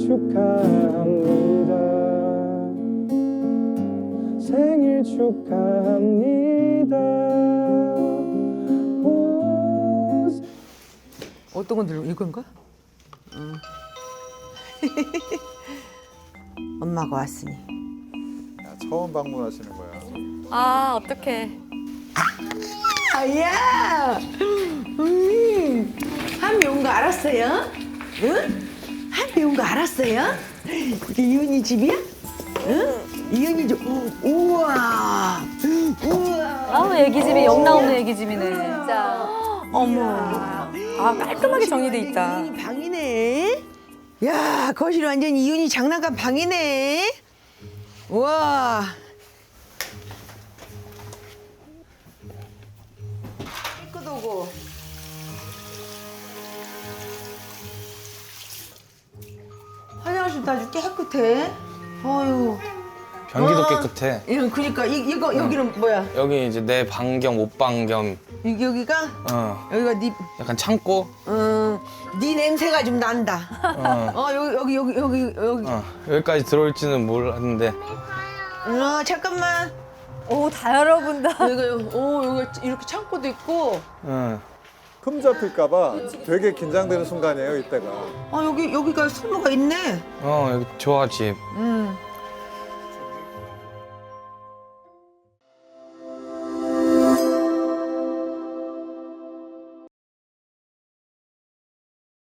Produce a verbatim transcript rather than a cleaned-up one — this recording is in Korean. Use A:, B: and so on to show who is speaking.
A: 축하합니다. 생일 축하합니다. 오...
B: 어떤 건 들려? 이건가? 응. 엄마가 왔으니.
C: 야, 처음 방문하시는 거야.
D: 아, 어떡해.
B: 아야! 음, 한미 온 거 알았어요? 응? 한미 온 거 알았어요? 이게 이은이 집이야? 응? 이은이 집. 우와! 우와!
D: 아우, 애기집이 영 나오는 애기집이네. 진짜.
B: 어머.
D: 아, 깔끔하게 정리돼 있다.
B: 이은이 방이네. 야, 거실 완전 이은이 장난감 방이네. 우와. 깨끗하고. 화장실도 아주 깨끗해. 어휴.
E: 변기도
B: 어.
E: 깨끗해.
B: 예, 그러니까 이, 이거 여기는 뭐야?
E: 여기 이제 내 방 겸 옷방 겸
B: 이, 여기가
E: 어,
B: 여기가 네,
E: 약간 창고.
B: 어, 네 냄새가 좀 난다.
E: 어,
B: 어 여기 여기 여기 여기 여기.
E: 어, 여기까지 들어올지는 몰랐는데
B: 어 잠깐만.
D: 오, 다 열어본다.
B: 여기 어 여기 이렇게 창고도 있고.
E: 어,
C: 흠 잡힐까봐 되게 긴장되는 순간이에요, 이때가.
B: 아 여기 여기가 수모가 있네.
E: 어 여기 좋아 집.
B: 음.